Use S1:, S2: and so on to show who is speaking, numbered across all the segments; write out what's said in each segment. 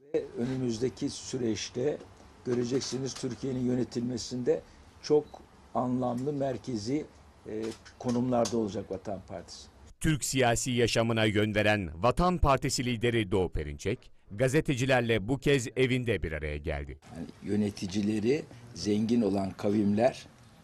S1: Önümüzdeki süreçte göreceksiniz Türkiye'nin yönetilmesinde çok anlamlı merkezi konumlarda olacak Vatan Partisi.
S2: Türk siyasi yaşamına yön veren Vatan Partisi lideri Doğu Perinçek, gazetecilerle bu kez evinde bir araya geldi.
S1: Yani yöneticileri zengin olan kavimler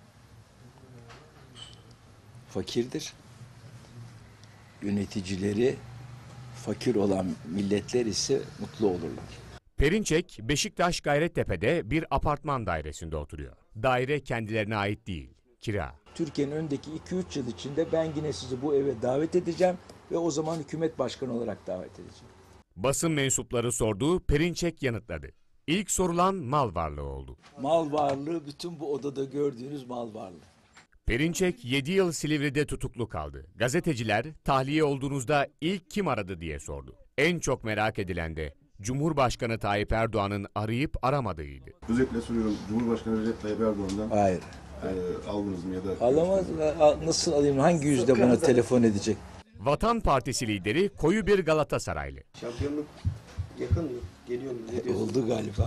S1: fakirdir. Yöneticileri fakir olan milletler ise mutlu olurlar.
S2: Perinçek, Beşiktaş Gayrettepe'de bir apartman dairesinde oturuyor. Daire kendilerine ait değil, kira.
S1: Türkiye'nin öndeki 2-3 yıl içinde ben yine sizi bu eve davet edeceğim ve o zaman hükümet başkanı olarak davet edeceğim.
S2: Basın mensupları sorduğu, Perinçek yanıtladı. İlk sorulan mal varlığı oldu.
S1: Mal varlığı bütün bu odada gördüğünüz mal varlığı.
S2: Perinçek 7 yıl Silivri'de tutuklu kaldı. Gazeteciler tahliye olduğunuzda ilk kim aradı diye sordu. En çok merak edilen de Cumhurbaşkanı Tayyip Erdoğan'ın arayıp aramadığıydı.
S3: Özetle soruyorum, Cumhurbaşkanı Recep Tayyip Erdoğan'dan
S1: Hayır.
S3: aldınız mı ya da...
S1: Alamaz. Nasıl alayım? Hangi yüzde buna telefon edecek?
S2: Vatan Partisi lideri koyu bir Galatasaraylı.
S4: Şampiyonluk yakın mı? Geliyor mu? Ne diyorsun?
S1: Oldu galiba.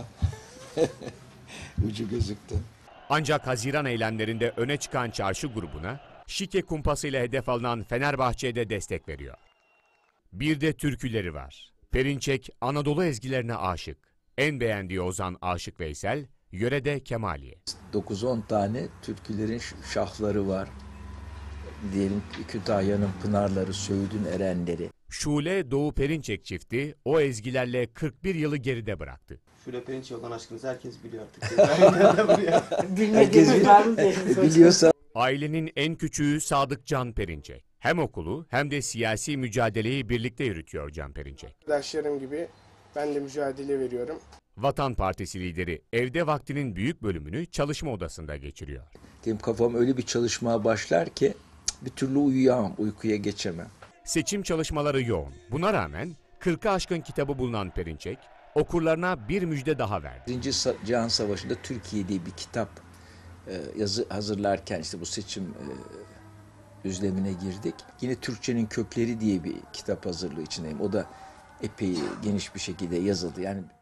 S1: Ucu gözüktü.
S2: Ancak Haziran eylemlerinde öne çıkan çarşı grubuna şike kumpasıyla hedef alınan Fenerbahçe'ye de destek veriyor. Bir de türküleri var. Perinçek Anadolu ezgilerine aşık. En beğendiği ozan Aşık Veysel, yörede Kemaliye.
S1: 9-10 tane türkülerin şahları var. Diyelim Kütahya'nın pınarları, Söğüt'ün erenleri.
S2: Şule Doğu Perinçek çifti o ezgilerle 41 yılı geride bıraktı.
S4: Şule Perinçek olan aşkınızı herkes biliyor artık.
S1: Herkes biliyorsa.
S2: Ailenin en küçüğü Sadık Can Perinçek. Hem okulu hem de siyasi mücadeleyi birlikte yürütüyor Can Perinçek.
S5: Arkadaşlarım gibi ben de mücadele veriyorum.
S2: Vatan Partisi lideri evde vaktinin büyük bölümünü çalışma odasında geçiriyor.
S1: Benim kafam öyle bir çalışmaya başlar ki bir türlü uyuyamam, uykuya geçemem.
S2: Seçim çalışmaları yoğun. Buna rağmen 40'ı aşkın kitabı bulunan Perinçek, okurlarına bir müjde daha verdi.
S1: Birinci Cihan Savaşı'nda Türkiye diye bir kitap hazırlarken işte bu seçim düzlemine girdik. Yine Türkçenin Kökleri diye bir kitap hazırlığı içindeyim. O da epey geniş bir şekilde yazıldı. Yani